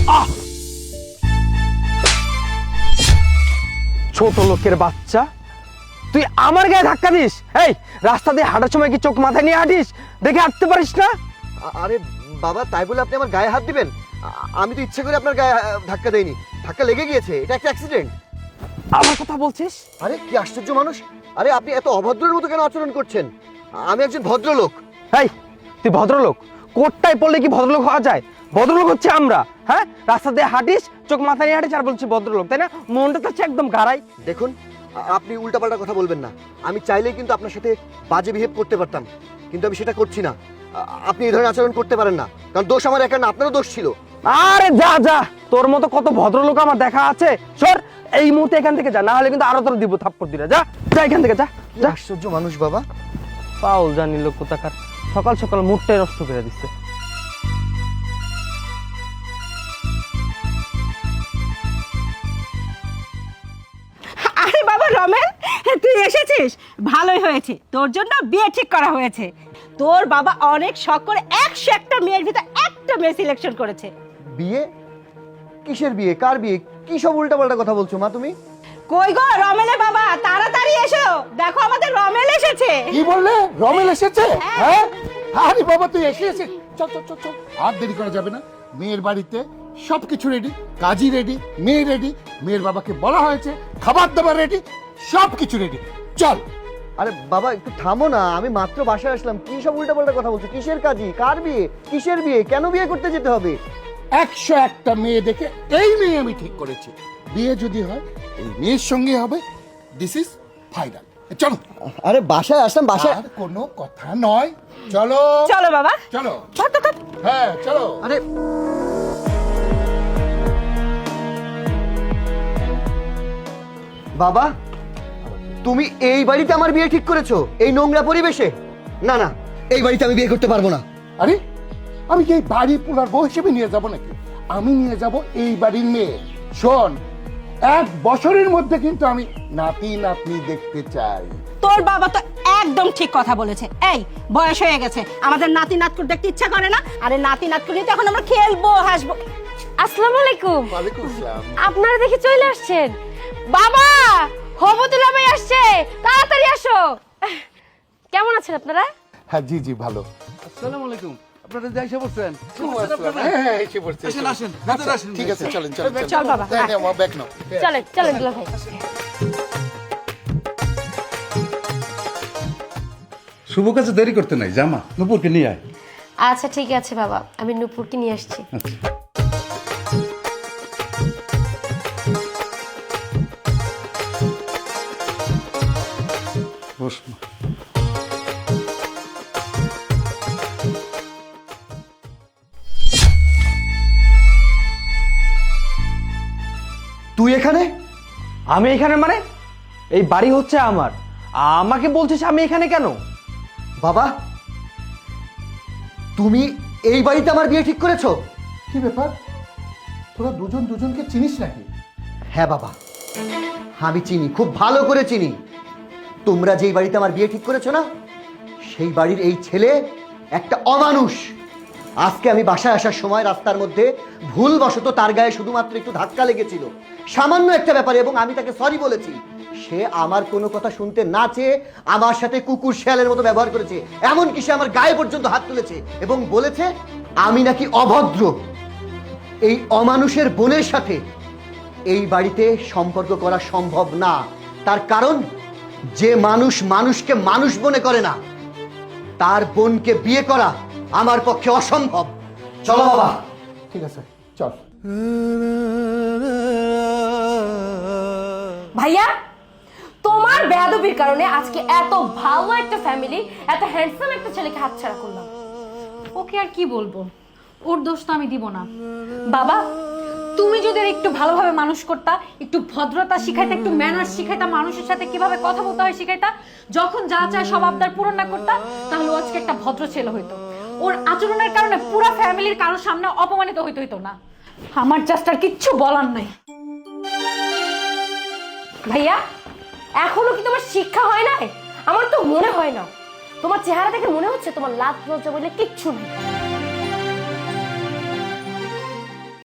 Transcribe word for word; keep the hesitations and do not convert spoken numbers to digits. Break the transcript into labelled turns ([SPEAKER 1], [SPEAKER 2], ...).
[SPEAKER 1] ছোট লোকের বাচ্চা, তুই আমার গায়ে ধাক্কা দিস? এই রাস্তা দিয়ে হাঁটার সময় কি চোখ মাথায় নিয়ে হাঁটিস? দেখে হাঁটতে পারিস না?
[SPEAKER 2] আরে বাবা, তাই বলে আপনি আমার গায়ে হাত দিবেন? আমি তো ইচ্ছে করে আপনার গায়ে ধাক্কা দেইনি, ধাক্কা লেগে গিয়েছে, এটা একটা অ্যাক্সিডেন্ট।
[SPEAKER 1] আমার কথা বলছিস?
[SPEAKER 2] আরে কি আশ্চর্য মানুষ! আরে আপনি এত অভদ্রের মতো কেন আচরণ করছেন? আমি একজন ভদ্রলোক।
[SPEAKER 1] এই তুই ভদ্রলোক? কোটটাই পড়লে কি ভদ্রলোক হওয়া যায়? ভদ্রলোক হচ্ছে আমরা। হ্যাঁ, রাস্তা দিয়ে হাঁটিস, চোখ মাথায় নিয়ে হাঁটিস আর বলছি ভদ্রলোক, তাই না? মনটা তো হচ্ছে একদম গাড়াই।
[SPEAKER 2] দেখুন, আপনি উল্টাপাল্টা কথা বলবেন না। আমি চাইলেই কিন্তু আপনার সাথে বাজে বিহেভ করতে পারতাম, কিন্তু আমি সেটা করছি না। আপনি এই ধরনের আচরণ করতে পারেন না, কারণ দোষ আমার একা না, আপনারও দোষ ছিল।
[SPEAKER 1] আরে যা যা, তোর মতো কত ভদ্রলোক আমার দেখা আছে। সর এই মুহূর্তে এখান থেকে যা, না হলে কিন্তু আরো তোর দিব থাপ্পড় দিলে। যা যা এখান থেকে, যা যা।
[SPEAKER 2] আশ্চর্য মানুষ বাবা।
[SPEAKER 1] পাউল জানি লোক কোথাকার, সকাল সকাল মুডটাই নষ্ট করে দিচ্ছে।
[SPEAKER 3] আরে বাবা রমেন, তুই এসেছিস, ভালোই হয়েছে। তোর জন্য বিয়ে ঠিক করা হয়েছে। তোর বাবা অনেক শখ করে একশো একটা মেয়ের ভিতর একটা মেয়ে সিলেকশন করেছে।
[SPEAKER 2] বিয়ে? কিসের বিয়ে? কার বিয়ে? কি সব উল্টাপাল্টা কথা বলছো মা তুমি?
[SPEAKER 3] কই গো রমেলের বাবা, তাড়াতাড়ি এসো, দেখো আমাদের রমেল এসেছে।
[SPEAKER 4] কি বললে? রমেল এসেছে? হ্যাঁ, আরে বাবা তুই এসে এসে চল চল চল চল, আর দেরি করা যাবে না। মেয়ের বাড়িতে সবকিছু রেডি, কাজী রেডি, মেয়ে রেডি, মেয়ের বাবাকে বলা হয়েছে, খাবার দাবার রেডি, সবকিছু রেডি, চল।
[SPEAKER 2] আরে বাবা একটু থামো না, আমি মাত্র বাসায় আসলাম। কি সব উল্টাপাল্টা কথা বলছো? কিসের কাজী? কার বিয়ে? কিসের বিয়ে? কেন বিয়ে করতে যেতে হবে?
[SPEAKER 4] একশো একটা মেয়ে দেখে এই মেয়ে আমি ঠিক করেছি, বিয়ে যদি হয় এই মেয়ের সঙ্গে হবে। This is final. চলো।
[SPEAKER 2] আরে বাসায় আসলাম, বাসায়।
[SPEAKER 4] আর কোনো কথা নয়, চলো
[SPEAKER 3] চলো বাবা,
[SPEAKER 4] চলো।
[SPEAKER 3] ধর, ধর, ধর।
[SPEAKER 4] হ্যাঁ চলো।
[SPEAKER 2] আরে বাবা, তুমি এই বাড়িতে আমার বিয়ে ঠিক করেছো? এই নোংরা পরিবেশে? না না, এই বাড়িতে আমি বিয়ে করতে পারবো না।
[SPEAKER 4] আরে আমি কি এই বাড়ি পুরার বউ হিসেবে নিয়ে যাব নাকি? আমি নিয়ে যাব এই বাড়ির মেয়ে। শোন, এক বছরের মধ্যে কিন্তু আমি নাতি নাতনি দেখতে চাই।
[SPEAKER 3] তোর বাবা তো একদম ঠিক কথা বলেছে। এই বয়স হয়ে গেছে, আমাদের নাতি নাতকুর দেখতে ইচ্ছা করে না? আরে নাতি নাতকুর নিয়ে তো এখন আমরা খেলবো, হাসবো।
[SPEAKER 5] আসসালামু আলাইকুম।
[SPEAKER 4] ওয়ালাইকুম আসসালাম।
[SPEAKER 5] আপনারা দেখে চলে আসছেন। বাবা, হবতুল্লাহ ভাই আসছে, তাড়াতাড়ি আসো। কেমন আছেন আপনারা?
[SPEAKER 4] হ্যাঁ জি জি ভালো।
[SPEAKER 6] আসসালামু আলাইকুম। আপনারা যাই এসে পড়ছেন?
[SPEAKER 4] হ্যাঁ হ্যাঁ এসে পড়ছে।
[SPEAKER 6] আসেন, আসেন, ভেতরে আসেন।
[SPEAKER 4] ঠিক আছে চলেন চলেন
[SPEAKER 3] চল বাবা,
[SPEAKER 4] হ্যাঁ হ্যাঁ মা ব্যাগ নাও।
[SPEAKER 5] চলেন চলেন দুলা ভাই।
[SPEAKER 6] শুভ কাজে দেরি করতে নাই, জামা নুপুরকে নিয়ে আয়।
[SPEAKER 5] আচ্ছা ঠিক আছে বাবা, আমি নূপুরকে নিয়ে আসছি।
[SPEAKER 6] আচ্ছা। বস মা।
[SPEAKER 2] তুই এখানে?
[SPEAKER 1] আমি এখানে মানে? এই বাড়ি হচ্ছে আমার, আমাকে বলছিস আমি এখানে কেন?
[SPEAKER 2] বাবা, তুমি এই বাড়িতে আমার বিয়ে ঠিক করেছো?
[SPEAKER 4] কি ব্যাপার, তোরা দুজন দুজনকে চিনিস নাকি?
[SPEAKER 2] হ্যাঁ বাবা, আমি চিনি, খুব ভালো করে চিনি। তোমরা যেই বাড়িতে আমার বিয়ে ঠিক করেছো না, সেই বাড়ির এই ছেলে একটা অমানুষ। আজকে আমি বাসায় আসার সময় রাস্তার মধ্যে ভুলবশত তার গায়ে শুধুমাত্র একটু ধাক্কা লেগেছিল, সামান্য একটা ব্যাপারে, এবং আমি তাকে সরি বলেছি। সে আমার কোনো কথা শুনতে না চেয়ে আমার সাথে কুকুর শেয়ালের মতো ব্যবহার করেছে, এমনকি সে আমার গায়ে পর্যন্ত হাত তুলেছে এবং বলেছে আমি নাকি অভদ্র। এই অমানুষের বোনের সাথে এই বাড়িতে সম্পর্ক করা সম্ভব না। তার কারণ, যে মানুষ মানুষকে মানুষ মনে করে না, তার বোনকে বিয়ে করা আমার পক্ষে অসম্ভব। চলো বাবা।
[SPEAKER 4] ঠিক আছে চল।
[SPEAKER 5] ভাইয়া, তোমার বেয়াদবির কারণে আজকে এত ভালো একটা ফ্যামিলি, এত হ্যান্ডসাম একটা ছেলেকে হাতছাড়া করলাম।
[SPEAKER 7] ওকে আর কি বলবো, ওর দোষ তো আমি দিব না।
[SPEAKER 5] বাবা,
[SPEAKER 7] তুমি যদি ওর একটু ভালোভাবে মানুষ করতা, একটু ভদ্রতা শিখাইতা, একটু ম্যানার্স শিখাইতা, মানুষের সাথে কিভাবে কথা বলতে হয় শিখাইতা, যখন যা চায় সব আবদার পূরণ না করতা, তাহলে ও আজকে একটা ভদ্র ছেলে হইতো। ওর আচরণের কারণে পুরো ফ্যামিলির কারোর সামনে অপমানিত হইতে হইতো না। আমার জাস্ট আর কিচ্ছু বলার নাই।
[SPEAKER 5] ভাইয়া, এখনো কি তোমার শিক্ষা হয় নাই? আমার তো মনে হয় না। তোমার চেহারা দেখে মনে হচ্ছে তোমার লাজ লজ্জা বলে কিচ্ছু নেই।